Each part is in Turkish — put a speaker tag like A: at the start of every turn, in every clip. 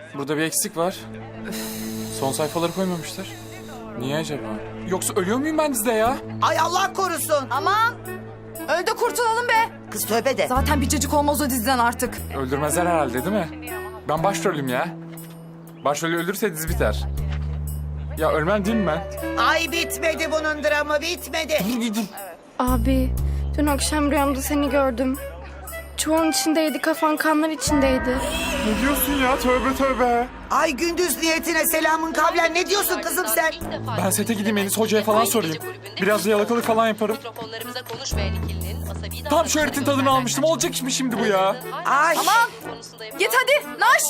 A: Burada bir eksik var. Son sayfaları koymamışlar. Niye acaba? Yoksa ölüyor muyum ben dizide ya?
B: Ay Allah korusun.
C: Aman! Öl de kurtulalım be.
B: Kız tövbe de.
C: Zaten bir cacık olmaz o diziden artık.
A: Öldürmezler herhalde değil mi? Ben başrolüm ya. Başrolü öldürse dizi biter. Ya ölmem değil mi ben?
B: Ay bitmedi bunun dramı bitmedi.
D: Abi, dün akşam rüyamda seni gördüm. Çuvalın içindeydi, kafan kanlar içindeydi.
A: Ne diyorsun ya? Tövbe tövbe.
B: Ay gündüz niyetine selamın kavlen ne diyorsun kızım sen?
A: Ben sete gideyim Enis Hoca'ya falan sorayım. Biraz da yalakalık falan yaparım.
E: Mikrofonlarımıza konuşmayan ikilinin asabi
A: Tam şu öğretin tadını almıştım. Olacak iş mi şimdi bu ya?
B: Ay.
C: Git hadi, naş!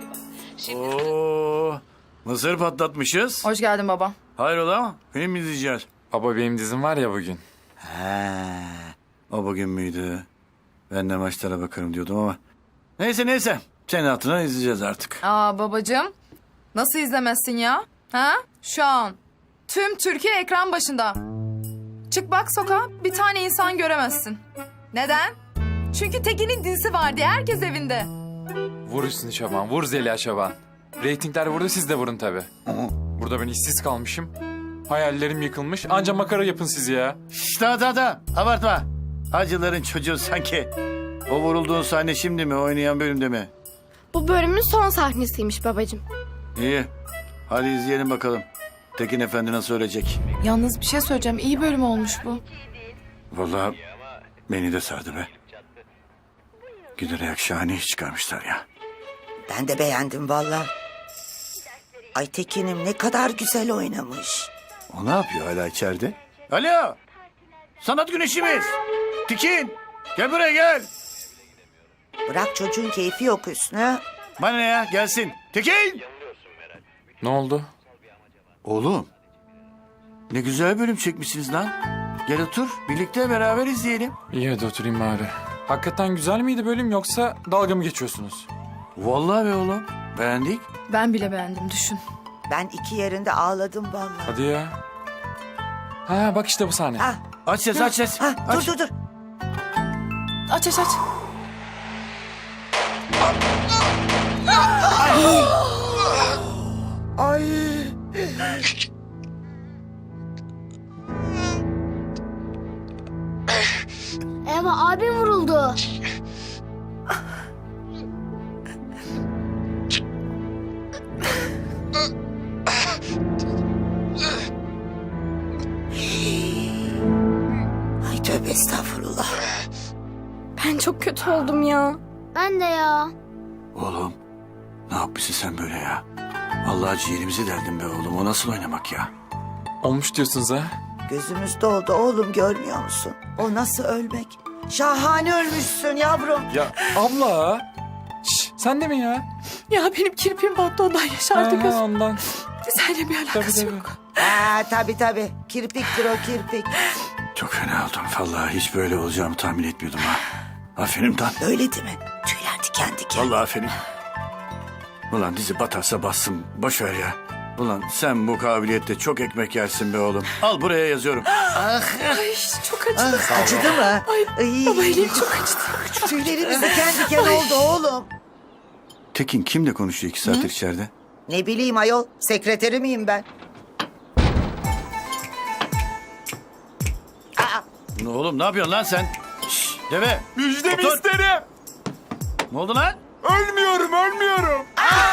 F: Oo, mısır patlatmışız.
C: Hoş geldin baba.
F: Hayrola? Film mi izleyeceğiz?
A: Baba benim dizim var ya bugün.
F: He, o bugün müydü? Ben de maçlara bakarım diyordum ama. Neyse. Senin hatırına izleyeceğiz artık.
C: Aa babacığım, nasıl izlemezsin ya? Ha? Şu an tüm Türkiye ekran başında. Çık bak sokağa, bir tane insan göremezsin. Neden? Çünkü Tekin'in dizisi var diye herkes evinde.
A: Vur Hüsnü Çaban, vur Zeliha Çaban. Reytingler vurdu, siz de vurun tabii. Burada ben işsiz kalmışım. Hayallerim yıkılmış. Anca makara yapın siz ya.
F: Şşş daha. Abartma. Hacıların çocuğu sanki. O vurulduğun sahne şimdi mi? Oynayan bölümde mi?
D: Bu bölümün son sahnesiymiş babacığım.
F: İyi. Hadi izleyelim bakalım. Tekin Efendi nasıl ölecek?
C: Yalnız bir şey söyleyeceğim, iyi bölüm olmuş bu.
F: Vallahi beni de sardı be. Giderek şahane iş çıkarmışlar ya.
B: Ben de beğendim valla. Ay Tekin'im ne kadar güzel oynamış.
F: O ne yapıyor hala içeride? Alo! Sanat güneşimiz! Tekin! Gel buraya gel!
B: Bırak çocuğun keyfi yok Hüsnü.
F: Bana ne ya? Gelsin. Tekin!
A: Ne oldu?
F: Oğlum. Ne güzel bölüm çekmişsiniz lan. Gel otur. Birlikte beraber izleyelim.
A: İyi hadi oturayım bari. Hakikaten güzel miydi bölüm yoksa dalga mı geçiyorsunuz?
F: Vallahi be oğlum. Beğendik.
C: Ben bile beğendim, düşün.
B: Ben iki yerinde ağladım valla.
A: Hadi ya. Ha bak işte bu sahne.
B: Ha,
F: Aç ses aç ses.
B: ha,
F: Aç.
B: dur.
C: Aç.
B: Ay.
D: Eva abim vuruldu.
B: Ay tövbe estağfurullah.
D: Ben çok kötü oldum ya. Ben de ya.
F: Oğlum. Ne yapmışsın sen böyle ya? Allah ciğerimizi deldin be oğlum. O nasıl oynamak ya?
A: Olmuş diyorsunuz ha?
B: Gözümüz doldu oğlum görmüyor musun? O nasıl ölmek? Şahane ölmüşsün yavrum.
A: Ya abla. Şş, sen de mi ya?
C: Ya benim kirpiğim battı, ondan yaşardı gözüm.
A: Ondan.
C: Seninle bir alakası
A: Tabii.
C: yok.
B: Ha tabii. Kirpiktir o kirpik.
F: Çok fena oldum. Vallahi hiç böyle olacağımı tahmin etmiyordum ha. Aferin lan.
B: Öyle değil mi? Tüyler diken diken.
F: Vallahi aferin. Ulan dizi batarsa bassın. Boş ver ya. Ulan sen bu kabiliyette çok ekmek yersin be oğlum. Al buraya yazıyorum.
C: Ay çok acıdı.
B: Acıdı mı? Ay,
C: Baba elim çok acıdı.
B: Tüylerimiz diken diken oldu oğlum.
F: Tekin kimle konuşuyor 2 saattir içeride?
B: Ne bileyim ayol, sekreteri miyim ben?
F: Ne oğlum ne yapıyorsun lan sen? Şşş deve.
A: Müjdemi
F: Otur.
A: isterim.
F: Ne oldu lan?
A: Ölmüyorum.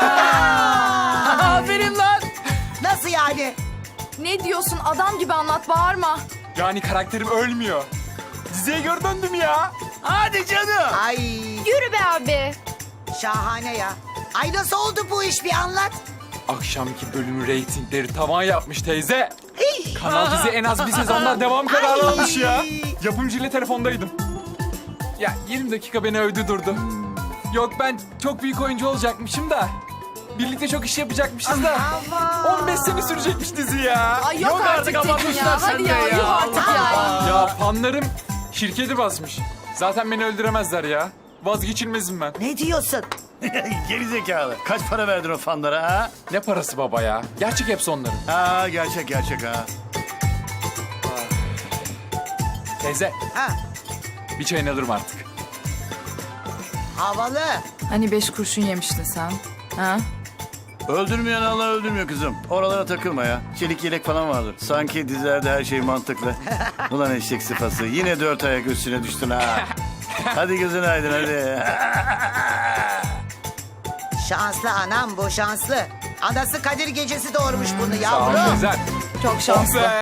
C: Aferin lan.
B: Nasıl yani?
C: Ne diyorsun, adam gibi anlat, bağırma.
A: Yani karakterim ölmüyor. Diziye geri döndüm ya.
F: Hadi canım.
B: Ay
D: Yürü be abi.
B: şahane ya. Ay nasıl oldu bu iş bir anlat.
A: Akşamki bölümün reytingleri tavan yapmış teyze. Kanal dizi en az bir sezondan devam kararı almış ya. Yapımcıyla telefondaydım. Ya 20 dakika beni övdü durdu. Yok ben çok büyük oyuncu olacakmışım da. Birlikte çok iş yapacakmışız da. 15 sene sürecekmiş dizi ya.
C: Ay yok artık Tekin
F: abartmışlar
C: ya.
F: sen
C: Hadi
F: de
C: ya,
F: ya.
C: yuh artık ya.
A: Ya fanlarım şirketi basmış. Zaten beni öldüremezler ya. Vazgeçilmezim ben.
B: Ne diyorsun?
F: Geri zekalı. Kaç para verdin o fanlara ha?
A: Ne parası baba ya? Gerçek hepsi onların.
F: Ha gerçek ha.
A: Teyze
B: Ha,
A: bir çayını alırım artık.
B: havalı.
C: Hani 5 kurşun yemiştin sen? Ha?
F: Öldürmeyen Allah öldürmüyor kızım. Oralara takılma ya. Çelik yelek falan vardır. Sanki dizilerde her şey mantıklı. Ulan eşek sıfası. Yine 4 ayak üstüne düştün ha. Hadi gözün aydın hadi.
B: Şanslı anam bu şanslı. Anası Kadir gecesi doğurmuş bunu
A: Sağ ol
B: yavrum.
A: teyze.
C: Çok şanslı.
A: Be.